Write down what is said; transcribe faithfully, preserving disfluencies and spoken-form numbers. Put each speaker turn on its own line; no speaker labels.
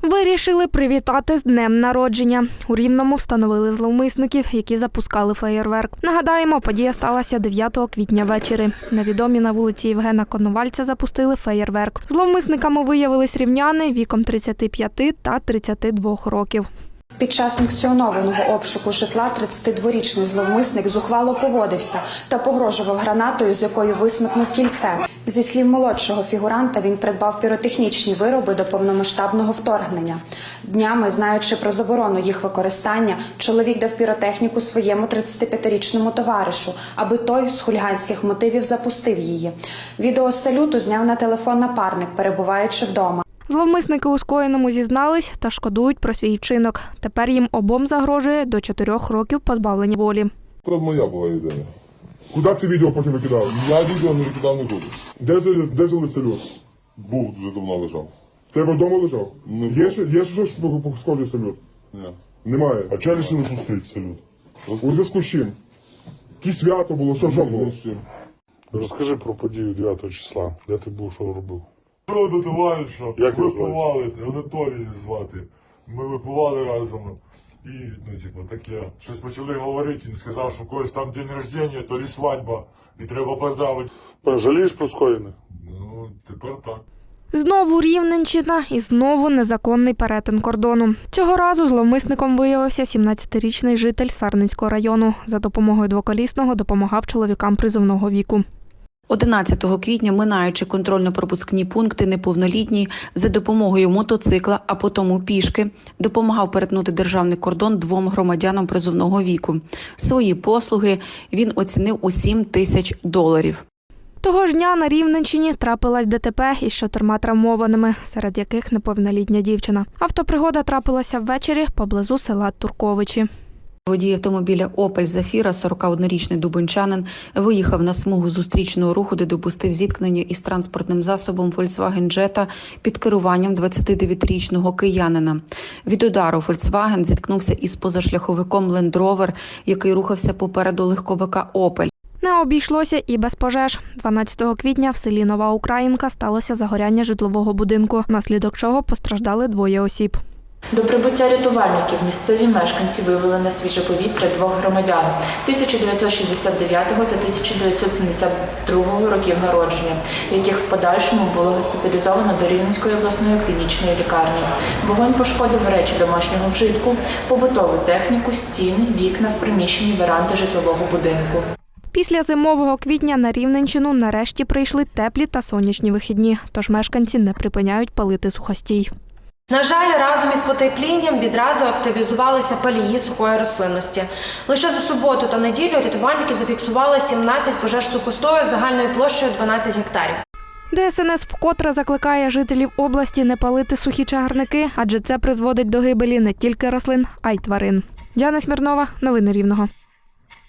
Вирішили привітати з днем народження. У Рівному встановили зловмисників, які запускали феєрверк. Нагадаємо, подія сталася дев'ятого квітня ввечері. Невідомі на вулиці Євгена Коновальця запустили феєрверк. Зловмисниками виявились рівняни віком тридцяти п'яти та тридцяти двох років.
Під час санкціонованого обшуку житла тридцятидворічний зловмисник зухвало поводився та погрожував гранатою, з якою висмикнув кільце. Зі слів молодшого фігуранта, він придбав піротехнічні вироби до повномасштабного вторгнення. Днями, знаючи про заборону їх використання, чоловік дав піротехніку своєму тридцятип'ятирічному товаришу, аби той з хуліганських мотивів запустив її. Відео з салюту зняв на телефон напарник, перебуваючи вдома.
Зловмисники у скоєному зізнались та шкодують про свій вчинок. Тепер їм обом загрожує до чотирьох років позбавлення волі.
Це моя була ідея.
Куди це відео потім викидав?
Я відео не викидав нікуди.
Де взяли, де взяли салют?
Був дуже давно лежав.
В тебе вдома лежав?
Не
Є, ще- є щось по по сході салют?
Ні.
Немає.
А чого вирішили пустити салют?
У зв'язку з чим? Яке свято було, що жо було?
Розкажи про подію дев'ятого числа. Де ти був, що робив?
Що до товариша,
Як його
випивали, Анатолій звати. Ми випивали разом. І, ну, типу, таке. Щось почали говорити, він сказав, що у когось там день рождення, то лі свадьба, і треба поздравити.
Жалієш про скоєне?
Ну, тепер так.
Знову Рівненщина і знову незаконний перетин кордону. Цього разу зловмисником виявився сімнадцятирічний житель Сарненського району. За допомогою двоколісного допомагав чоловікам призовного віку.
одинадцятого квітня, минаючи контрольно-пропускні пункти, неповнолітній за допомогою мотоцикла, а потім пішки, допомагав перетнути державний кордон двом громадянам призовного віку. Свої послуги він оцінив у сім тисяч доларів.
Того ж дня на Рівненщині трапилась ДТП із чотирма травмованими, серед яких неповнолітня дівчина. Автопригода трапилася ввечері поблизу села Турковичі.
Водій автомобіля «Опель Зафіра», сорокаоднорічний дубенчанин, виїхав на смугу зустрічного руху, де допустив зіткнення із транспортним засобом Volkswagen Jetta під керуванням двадцятидев'ятирічного киянина. Від удару Volkswagen зіткнувся із позашляховиком Land Rover, який рухався попереду легковика «Опель».
Не обійшлося і без пожеж. дванадцятого квітня в селі Нова Українка сталося загоряння житлового будинку, внаслідок чого постраждали двоє осіб.
До прибуття рятувальників місцеві мешканці вивели на свіже повітря двох громадян тисяча дев'ятсот шістдесят дев'ятого та тисяча дев'ятсот сімдесят другого років народження, яких в подальшому було госпіталізовано до Рівненської обласної клінічної лікарні. Вогонь пошкодив речі домашнього вжитку, побутову техніку, стіни, вікна в приміщенні веранди житлового будинку.
Після зимового квітня на Рівненщину нарешті прийшли теплі та сонячні вихідні, тож мешканці не припиняють палити сухостій.
На жаль, разом із потеплінням відразу активізувалися палії сухої рослинності. Лише за суботу та неділю рятувальники зафіксували сімнадцять пожеж сухостою загальною площею дванадцять гектарів.
ДСНС вкотре закликає жителів області не палити сухі чагарники, адже це призводить до гибелі не тільки рослин, а й тварин. Діана Смірнова, новини Рівного.